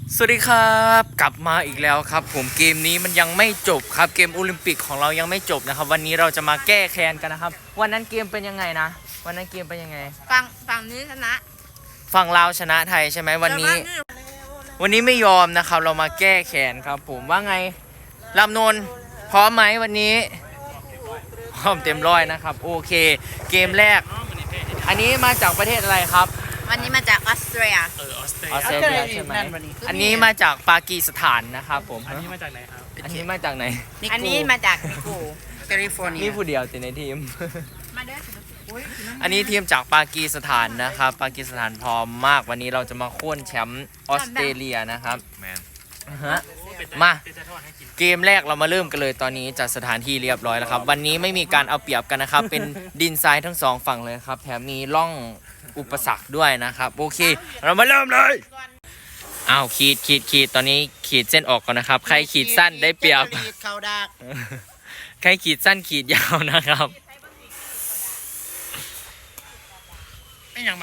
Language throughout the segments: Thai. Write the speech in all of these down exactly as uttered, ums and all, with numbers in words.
สวัสดีครับกลับมาอีกแล้วครับผมเกมนี้มันยังไม่จบครับเกมโอลิมปิกของเรายังไม่จบนะครับวันนี้เราจะมาแก้แค้นกันนะครับวันนั้นเกมเป็นยังไงนะวันนั้นเกมเป็นยังไงฝั่งฝั่งนี้ชนะฝั่งลาวชนะไทยใช่ไหมวันนี้วันนี้ไม่ยอมนะครับเรามาแก้แค้นครับผมว่าไงลำนนพร้อมไหมวันนี้พร้อมเต็มร้อยนะครับโอเคเกมแรกอันนี้มาจากประเทศอะไรครับวันนี้มาจากออสเตรียออสเตรเลียใช่ไหมอันนี้มาจากปากีสถานนะครับผมอันนี้มาจากไหนครับอันนี้มาจากไหนอันนี้มาจากนิโก้แคลิฟอร์เนียนี่ผู้เดียวแต่ในทีมมาเด้ออันนี้ทีมจากปากีสถานนะครับปากีสถานพร้อมมากวันนี้เราจะมาโค่นแชมป์ออสเตรเลียนะครับแมนฮะมาเกมแรกเรามาเริ่มกันเลยตอนนี้จัดสถานที่เรียบร้อยแล้วครับวันนี้ไม่มีการเอาเปรียบกันนะครับเป็นดินทรายทั้งสองฝั่งเลยครับแถมมีร่องอุปสรรคด้วยนะครับโอเคเรามาเริ่มเลยอ้าวขีดขีดขีดตอนนี้ขีดเส้นออกก่อนนะครับใครขีดสั้นได้เปรียบใครขีดสั้นขีดยาวนะครับไม่ยังไง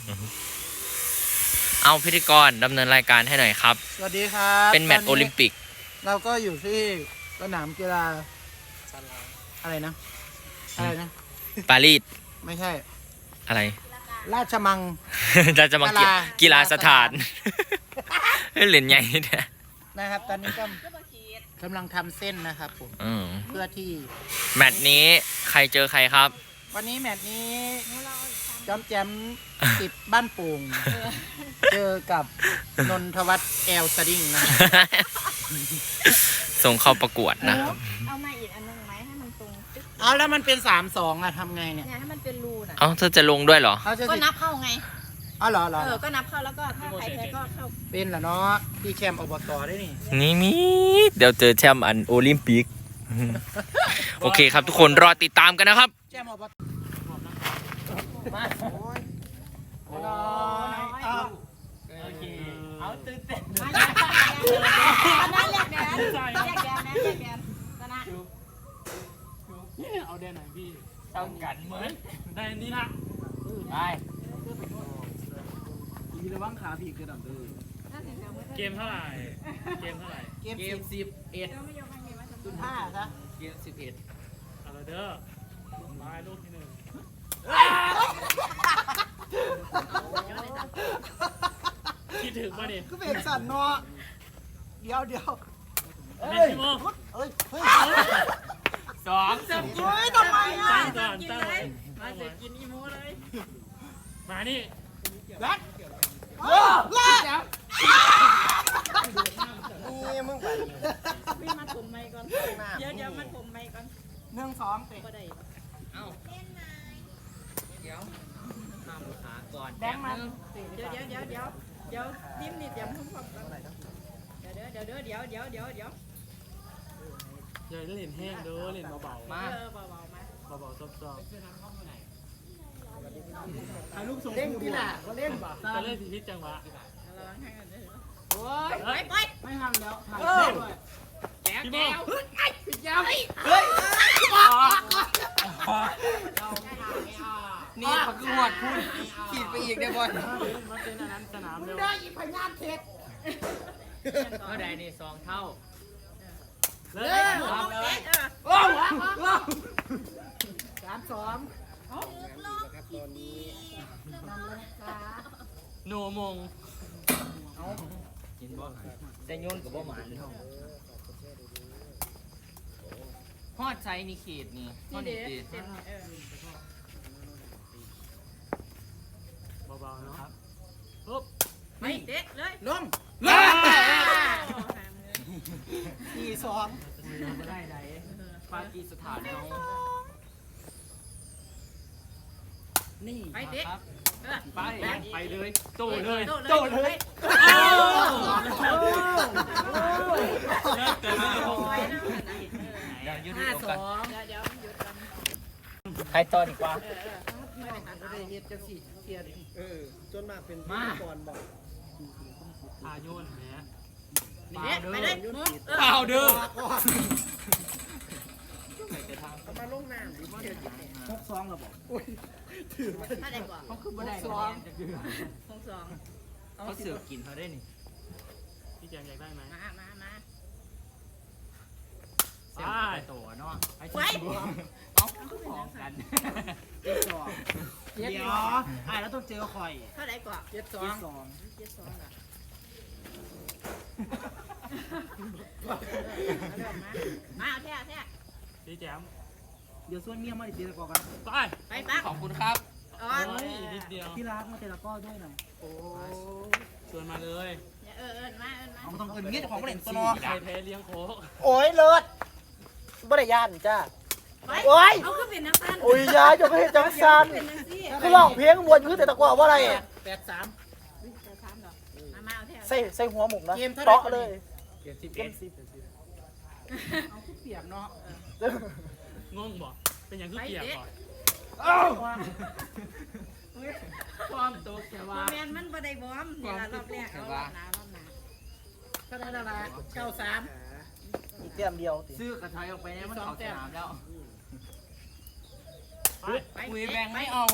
เอาพิธีกรดำเนินรายการให้หน่อยครับสวัสดีครับเป็นแมตช์โอลิมปิกเราก็อยู่ที่สนามกีฬาอะไรนะอะไรนะปารีสไม่ใช่อะไรราชมังราชมังกีฬาสถานเหรียญใหญ่เนี่ยนะครับตอนนี้ก็กำลังทำเส้นนะครับผมเพื่อที่แมตช์นี้ใครเจอใครครับวันนี้แมตช์นี้จอมแจมติดบ้านโป่งเจอกับนนทวัฒน์แอลสดิ้งนะส่งเข้าประกวดนะครับเอามาอีกอันนึงไหมให้มันตรงเอาแล้วมันเป็นสามสองอะทำไงเนี่ยให้มันเป็นรูน่ะเอ้าเธอจะลงด้วยเหรอก็นับเข้าไงอ๋อเหรอเหรอเออก็นับเข้าแล้วก็ถ้าใครแพ้ก็เข้าเป็นเหรอเนาะพี่แชมป์อบตได้นี่นี่มีเดี๋ยวเจอแชมป์อันโอลิมปิกโอเคครับทุกคนรอติดตามกันนะครับแชมป์อบตมาโอเคเอาตื่นเต้นนั่นเรียกแดนเรียกแดนนะเรียกแดนชนะเอาแดนไหนพี่ต้องกันเหมือนได้นี่นะไปมีระวังขาผีกระดับเลยเกมเท่าไหร่เกมเท่าไหร่เกมสิบเอ็ดจุดห้าซะเกมสิบเอ็ดเอาละเด้อมาลูกที่หนึ่งคิดถึงป่ะดิก็เป็นสั่นเนาะเดี๋ยวเดี๋ยวเฮ้ยเฮ้ยเฮ้ยสองเฮ้ยทำไมอ่ะตั้งก่อนตั้งเลยมาเสร็จกินอีโมเลยมานี่แบ๊กโอ้ล่านี่มึงไปพี่มาถมไม้ก่อนเดี๋ยวเดี๋ยวมาถมไม้ก่อนหนึ่งสองเตะก็ได้เอ้าเดี๋ยวห้ามขาก่อนแบงมันเดี๋ยวเดี๋ยวเดี๋ยวเดี๋ยวเดี๋ยวดิ้มนี่เดี๋ยวพุ่งความกันเดี๋ยวเดี๋ยวเดี๋ยวเดี๋ยวเดี๋ยวเดี๋ยวเดี๋ยวเดี๋ยวเล่นแห้งเด้อเล่นเบาๆมาเบาๆมาเบาๆซอบๆถ่ายรูปส่งเล่นกีฬาก็เล่นป่ะจะเล่นพิจังหวะระวังให้กันเลยโอ้ยไปไปไม่ทำแล้วถ่ายด้วยแก้วแก้วไอ้แก้วเฮ้ยนี่เขาคือหวดพูดขีดไปอีกได้บ่อยมาเป็นอันนั้นสนามเร็วได้อีพญานเทศเท่าใดนี่สองเท่าเลยโอ้โหสามสองโนมงกินบ่แต่โยนกับบ่หมานฮอดไซนี่ขีดนี่ฮอดนี่ตีเบาๆนะครับปุ๊บไม่เด็ดเลยลงสี่สองได้ไหนปากีสถานเอานี่ไปเด็ดไปไปเลยโตเลยโตเลยเลิกเกินไม่ลงห้าสองเดี๋ยวเดี๋ยวหยุดกันใครต่อดีกว่าไม่ได้หันไปเฮ็ดจังสี่เทียนเออจนมากเป็นก่อนบอกอาโยนแหมไปเลยเปล่าเด้อมาลงน้ำหรือว่าหกสองเราบอกถือถ้าได้กว่าเขาคือบ่ได้สองสองเขาเสือกกินเขาได้นี่พี่แจมอยากได้ไหมมามามาไปตัวเนาะไอ้ไว้เอาของกันเจ็ดสองเดี๋ยวไอ้แล้วต้องเจอข่อยเท่าไหร่ก่อนเจ็ดสองสองเจ็ดสองเหรอมาเอาแท้เอาแท้พี่แจมเดี๋ยวส่วนเมียมาดิเจตะกอกันไปไปปักขอบคุณครับอ๋อโอ้ยนิดเดียวที่รักมาเจตะกอด้วยหน่อยโอ้ชวนมาเลยเออเออมาเออมาเอาต้องเอินเงี้ยของเล่นตัวใคนอรแพ้เลี้ยงโค้กโอ้ยเลิศบ่ได้ย่านจ้าไปโอ้ยเอาขึ้นเป็นนักสั้นโอ้ยยายจะไม่เห็นจังซันเป็นนักซี่คือร้องเพลงมวนคือแต่ตะกว่าว่าอะไรแปดสามจะถามดอกมามาเอาแท้ใส่ใส่หัวหมุกนะเกมเท่าไหร่เตาะเลยเกมสิบเกเอ็มดสิบเอาเปียกเนาะงงบ่เป็นอย่างคือเกียร์ก่อนความตกแค่โมว่าเมนมันบ่ได้บอมนี่ละรอบแรกเอารอบหน้ารอบหน้าก็ได้ละละเก้าสามอีกเตียมเดียวติซื้อกระถอยออกไปเนี่ยมันออกสนามแล้วไปไปคุยแบงไม่เอา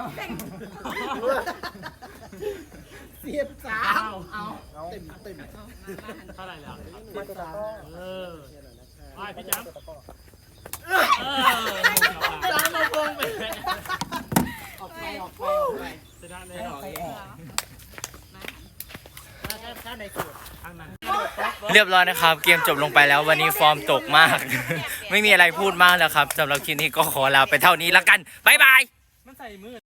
เสียบสามเอาเต็มเต็มเท่าไหร่แล้วมาตะกร้อเออไปพี่แจมตะกร้อเออสามมาพงไปออกไปออกไปออกไปชนะเลยไปออกถ้าในสูตรทางนั้นเรียบร้อยนะครับ เกมจบลงไปแล้ววันนี้ฟอร์มตกมาก ไม่มีอะไรพูดมากแล้วครับสำหรับคลิปนี้ก็ขอลาไปเท่านี้แล้วกันบ๊ายบายมันใส่มือ